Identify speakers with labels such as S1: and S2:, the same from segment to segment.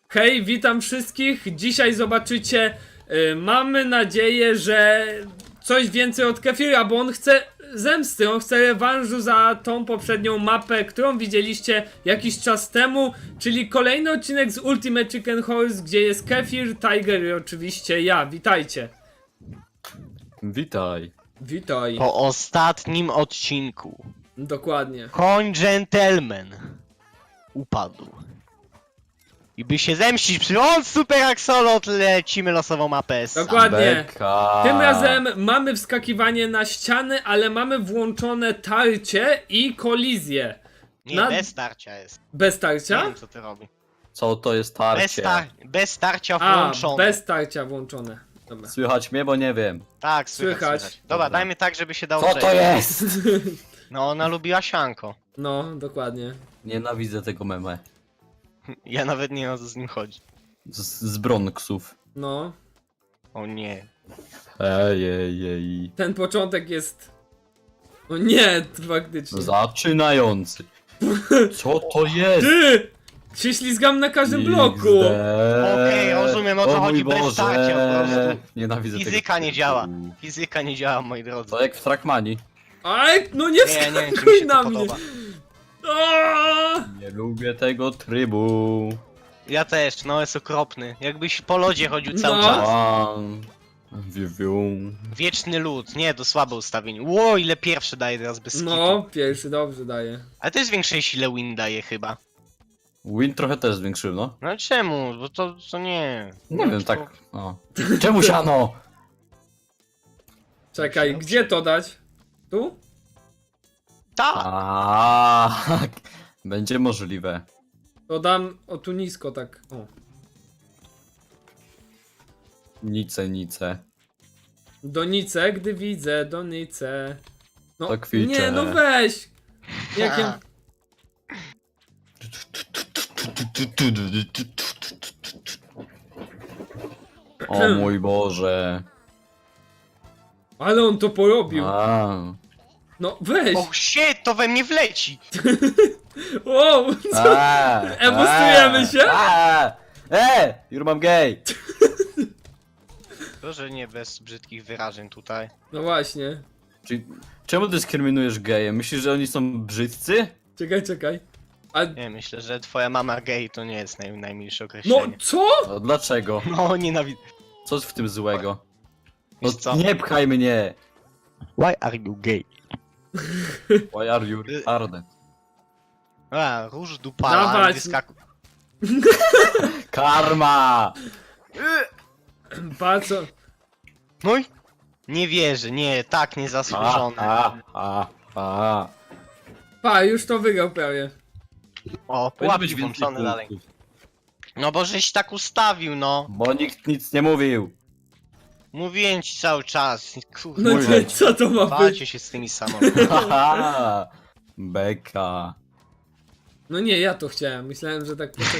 S1: Hej, witam wszystkich. Dzisiaj zobaczycie, mamy nadzieję, że coś więcej od Kefira, bo on chce zemsty, on chce rewanżu za tą poprzednią mapę, którą widzieliście jakiś czas temu, czyli kolejny odcinek z Ultimate Chicken Horse, gdzie jest Kefir, Tiger i oczywiście ja. Witajcie.
S2: Witaj.
S1: Witaj.
S3: Po ostatnim odcinku
S1: Dokładnie.
S3: koń gentleman upadł. I by się zemścić przy on super axolot, lecimy losową mapę.
S1: Dokładnie.
S2: Beka.
S1: Tym razem mamy wskakiwanie na ściany, ale mamy włączone tarcie i kolizję.
S3: Nie,
S1: na-
S3: bez starcia jest.
S1: Bez
S3: Nie
S1: tarcia?
S3: wiem co ty robi.
S2: Co to jest tarcie?
S3: Bez starcia
S1: A,
S3: włączone.
S1: bez tarcia włączone. Dobra.
S2: Słychać mnie, bo nie wiem.
S3: Tak, słychać.
S1: Słychać.
S3: Dobra,
S2: Dobra.
S3: dajmy tak, żeby się dało
S2: Co to
S3: przejść.
S2: jest?
S3: No, ona lubiła sianko.
S1: No, dokładnie.
S2: Nienawidzę tego meme.
S3: Ja nawet nie wiem o co z nim chodzi.
S2: Z Bronxów.
S1: No,
S3: O nie.
S2: Ej.
S1: ten początek jest... O nie, faktycznie.
S2: Zaczynający. Co to jest?
S1: Ty! Się ślizgam na każdym bloku!
S3: Okej, rozumiem, o co chodzi,
S2: mój
S3: bez
S2: Boże.
S3: starcia po prostu.
S2: Nienawidzę
S3: Fizyka
S2: tego.
S3: nie działa. Fizyka nie działa, moi drodzy.
S2: To jak w Trackmanii.
S1: Aj, no nie
S3: Nie wiem, czy mi
S1: wskakuj
S3: się
S1: na
S3: to
S1: mnie!
S3: podoba.
S1: Aaaa!
S2: Nie lubię tego trybu.
S3: Ja też, no jest okropny. Jakbyś po lodzie chodził cały
S1: No.
S3: czas.
S2: Wiu.
S3: Wieczny lód, nie, to słabe ustawienie. Ło, ile pierwszy daje teraz bez
S1: No,
S3: skitu.
S1: pierwszy dobrze daje.
S3: Ale też większej sile win daje chyba.
S2: Win trochę też zwiększył, no.
S3: No czemu? Bo to nie.
S2: Nie
S3: No,
S2: wiem,
S3: to-
S2: tak. O. Czemu siano?
S1: Czekaj, gdzie to dać? Tu?
S3: Tak!
S2: Będzie możliwe.
S1: To dam, o tu nisko tak, o.
S2: Nice.
S1: Donice, gdy widzę, donice. No,
S2: To kwicze.
S1: nie, no weź! Jak ja...
S2: O mój Boże.
S1: Ale on to porobił.
S2: A.
S1: No weź!
S3: O shit, to we mnie wleci!
S1: Wow! Co? Emostujemy się?
S2: You're gay.
S3: Proszę nie bez brzydkich wyrażeń tutaj.
S1: No właśnie.
S2: Czyli, czemu dyskryminujesz geje? Myślisz, że oni są brzydcy?
S1: Czekaj. A...
S3: Nie, myślę, że twoja mama gay to nie jest najmilsze
S1: No
S3: określenie.
S1: co?
S2: No, dlaczego?
S3: No, nienawidzę.
S2: Co w tym złego? No
S3: Wiesz co?
S2: nie pchaj mnie!
S3: Why are you gay?
S2: Why are you retarded?
S3: A, róż dupala,
S1: Dawać.
S3: wyskakuj.
S2: Karma!
S1: Patrz co...
S3: No i? Nie wierzę, nie, tak niezasłużone.
S1: Pa, już to wygrał prawie.
S3: O,
S2: Powinno
S3: pułapki
S2: być więcej
S3: włączone dalej.
S2: punktów.
S3: No bo żeś tak ustawił, no.
S2: Bo nikt nic nie mówił.
S3: Mówiłem ci cały czas.
S1: No
S3: Kurde,
S2: Mówię.
S1: nie, co to ma być?
S3: walcie się z tymi samochodami.
S2: Haha. Beka.
S1: No nie, ja to chciałem. Myślałem, że tak poczek...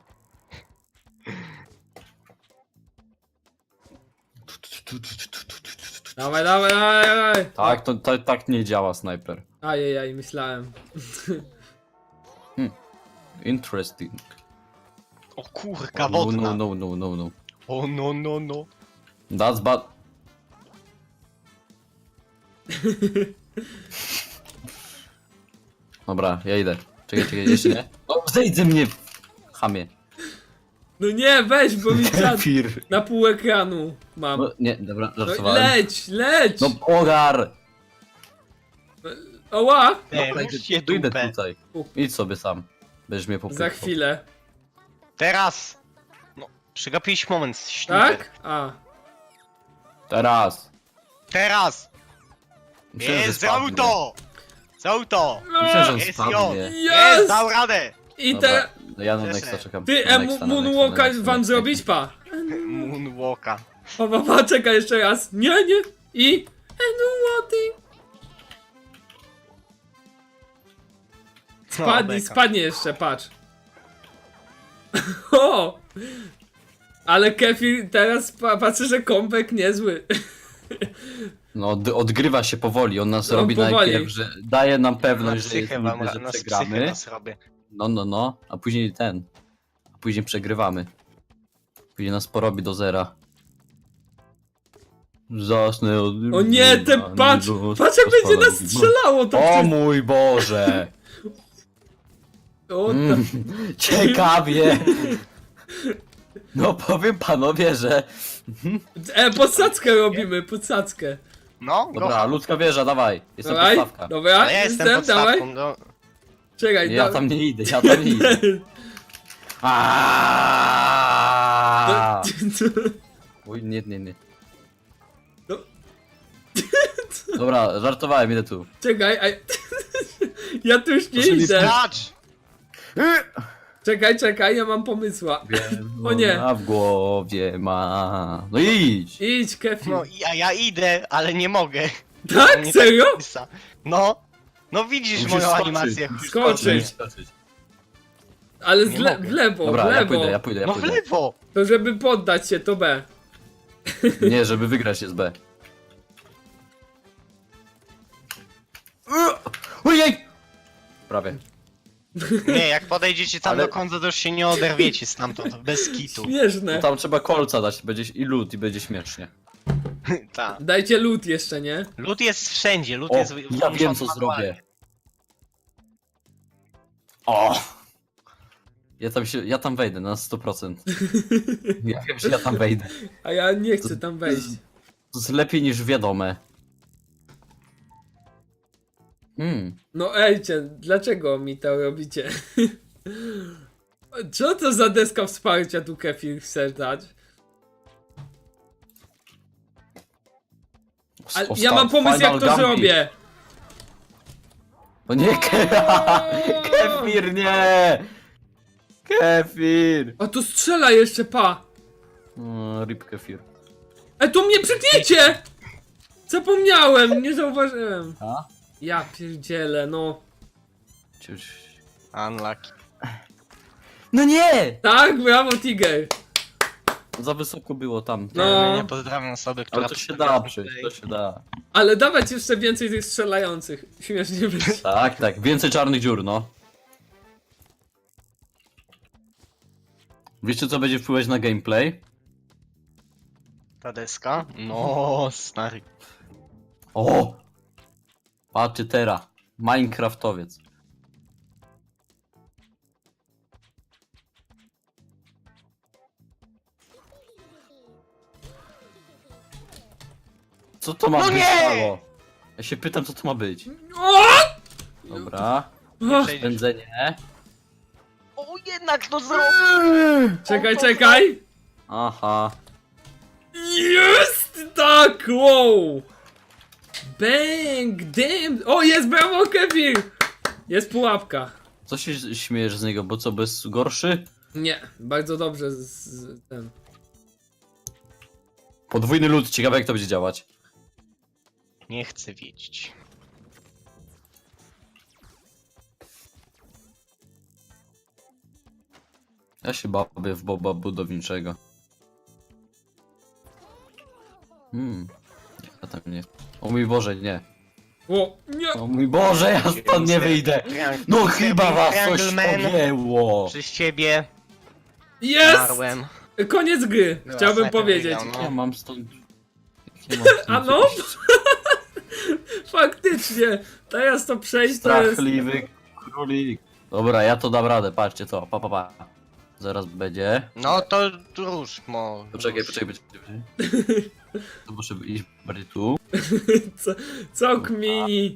S1: Dawaj.
S2: Tak, to tak nie działa snajper.
S1: Ajajaj, myślałem.
S2: Interesting.
S3: O kurka
S2: No.
S3: wodna.
S2: O
S3: No.
S2: That's bad. Dobra, ja idę. Czekaj, jeszcze nie? O, zejdź ze mnie! Chamie.
S1: No nie, weź, bo mi czat
S2: Kefir.
S1: na pół ekranu mam.
S2: No, nie, dobra,
S1: No,
S2: żartowałem.
S1: leć!
S2: No ogar!
S1: Oła!
S3: Ruszcie
S2: Idę
S3: dupę.
S2: tutaj. Idź sobie sam. Będziesz mnie popychał.
S1: Za chwilę.
S3: Teraz! No, przegapiłeś moment, śniper.
S1: Tak? A.
S2: Teraz.
S3: Teraz!
S2: Myślałem, że
S3: Jest, za
S2: spadnie.
S3: auto! Za auto!
S2: Myślałem, że on
S3: Jest
S2: spadnie.
S3: Jest,
S1: Jest!
S3: dał radę!
S1: I
S2: Dobra,
S1: te...
S2: no ja na
S3: Cieszę.
S2: Nexta czekam.
S1: Ty,
S2: Na Nexta, na
S1: Moonwalka
S2: Nexta,
S1: wam
S2: Nexta.
S1: zrobić? Pa.
S3: Moonwalka.
S1: Pa, czekaj jeszcze raz. Nie. I...
S3: No, beka.
S1: Spadnie jeszcze, patrz. O! Ale Kefir teraz patrzę, że kąpek niezły.
S2: No, odgrywa się powoli, on nas
S1: No,
S2: robi
S1: powoli.
S2: najpierw, że daje nam
S3: Na
S2: pewność, że,
S3: psychę
S2: jest,
S3: wam,
S2: że
S3: na psychę
S2: przegramy.
S3: nas robię.
S2: No, a później ten. A później przegrywamy. Później nas porobi do zera. Zasnę od...
S1: O nie, ten patrz jak będzie nas strzelało to
S2: O mój Boże!
S1: O,
S2: Ciekawie! No powiem panowie, że...
S1: podsadzkę robimy, podsadzkę.
S3: No,
S2: Dobra, ludzka wieża, dawaj. Jestem
S1: Dawaj,
S2: podstawka.
S1: dobra,
S3: ale ja jestem
S1: dawaj.
S3: podstawką, no.
S1: Czekaj,
S2: Ja tam nie idę, ja tam nie idę. Aaaa! Oj, nie.
S1: No.
S2: Dobra, żartowałem, idę tu.
S1: Czekaj, ja tu już nie
S2: Proszę mi
S1: idę.
S3: Skacz!
S1: Czekaj, ja mam pomysła. O nie.
S2: A w głowie ma... No idź!
S1: Idź, Kefir.
S3: No ja idę, ale nie mogę.
S1: Tak?
S3: Nie
S1: Serio?
S3: pisa. No. No widzisz
S2: Musisz
S3: moją
S2: skoczyć.
S3: animację.
S1: Skoczyć. Ale
S3: Nie
S1: w
S3: mogę.
S1: lewo,
S2: Dobra,
S1: w
S2: ja
S1: lewo.
S2: pójdę.
S3: No w lewo.
S1: To żeby poddać się, to B.
S2: Nie, żeby wygrać jest B. Ojej! Prawie.
S3: Nie, jak podejdziecie tam
S2: Ale-
S3: do końca, to już się nie oderwiecie stamtąd, bez kitu.
S1: Śmieszne.
S2: Tam trzeba kolca dać, będzie i lód i będzie śmiesznie.
S3: Tak.
S1: Dajcie lód jeszcze, nie?
S3: Lód jest wszędzie, lód
S2: O,
S3: jest...
S2: ja wiem co zrobię. O! Ja tam wejdę na 100%. Ja wiem, że ja tam wejdę.
S1: A ja nie chcę tam wejść.
S2: To jest lepiej niż wiadome.
S1: No ejcie, dlaczego mi to robicie? Co to za deska wsparcia tu Kefir chce dać? Ale ja mam pomysł jak to zrobię.
S2: No nie, Kefir, nie! Kefir!
S1: A tu strzela jeszcze, pa.
S2: Rip Kefir.
S1: Tu mnie przykniecie! Zapomniałem, nie zauważyłem.
S2: A?
S1: Ja pierdzielę, no.
S3: Unlucky.
S2: No nie!
S1: Tak, brawo Tiger.
S2: Za wysoko było tam.
S1: No.
S3: Nie pozdrawiam osoby, która...
S2: Ale to się da przejść, to się da.
S1: Ale dawać jeszcze więcej tych strzelających. Śmiesznie będzie.
S2: Tak, więcej czarnych dziur, no. Wiecie co będzie wpływać na gameplay?
S3: Ta deska? No, stary.
S2: O! Patrzcie teraz. Minecraftowiec. Co to ma
S3: No
S2: być?
S3: nie!
S2: Halo? Ja się pytam co to ma być.
S1: O!
S2: Dobra.
S1: O!
S3: Przejdziesz.
S2: Pędzenie.
S3: O, jednak to zrobił!
S1: Czekaj.
S2: Aha.
S1: Jest! Tak, wow! Bang, damn! O, jest brawo Kefir! Jest pułapka.
S2: Co się śmiejesz z niego, bo co, bez gorszy?
S1: Nie, bardzo dobrze z ten.
S2: Podwójny lód, ciekawe jak to będzie działać.
S3: Nie chcę wiedzieć.
S2: Ja się bawię w boba budowniczego. Ja tam nie... O mój Boże, nie.
S1: O, nie!
S2: O mój Boże, ja stąd nie wyjdę. No chyba was coś pogięło.
S3: Przez ciebie
S1: Jest!
S3: marłem.
S1: Koniec gry,
S3: Była
S1: chciałbym
S3: snajper
S1: powiedzieć.
S3: wygrał, no.
S2: Ja mam stąd... Ja mam stąd
S1: A no?
S2: jakiś
S1: Faktycznie, teraz to przejść to jest...
S2: strachliwy królik. Dobra, ja to dam radę, patrzcie to, pa. Zaraz będzie.
S3: No to rusz, mo.
S2: Poczekaj. To muszę iść bardziej tu.
S1: Co kmini?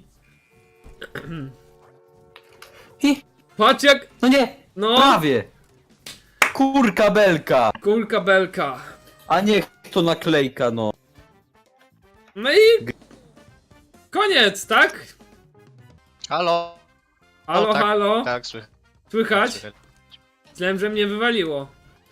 S2: Hi.
S1: Patrz jak...
S2: No nie!
S1: No,
S2: Prawie! Kurka belka!
S1: kulka belka.
S2: A niech to naklejka, no.
S1: No i... Koniec, tak?
S3: Halo?
S1: Halo,
S3: O, tak,
S1: halo?
S3: Tak, słychać.
S1: Słychać? Myślałem, że mnie wywaliło.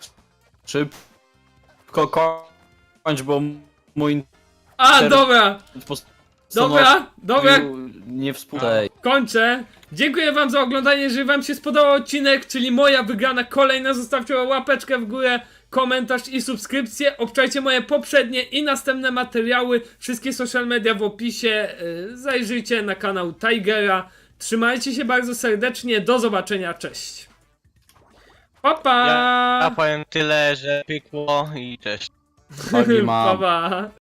S2: Szybko kończ, bo mój
S1: A,
S2: Ter-
S1: dobra! Dobra!
S2: nie współczej.
S1: Kończę. Dziękuję wam za oglądanie. Jeżeli wam się spodobał odcinek, czyli moja wygrana kolejna, zostawcie łapeczkę w górę, komentarz i subskrypcję. Obczajcie moje poprzednie i następne materiały. Wszystkie social media w opisie. Zajrzyjcie na kanał Tigera. Trzymajcie się bardzo serdecznie. Do zobaczenia. Cześć. Pa, pa!
S3: Ja powiem tyle, że pykło i cześć.
S2: Nogi mam.
S1: Pa, pa.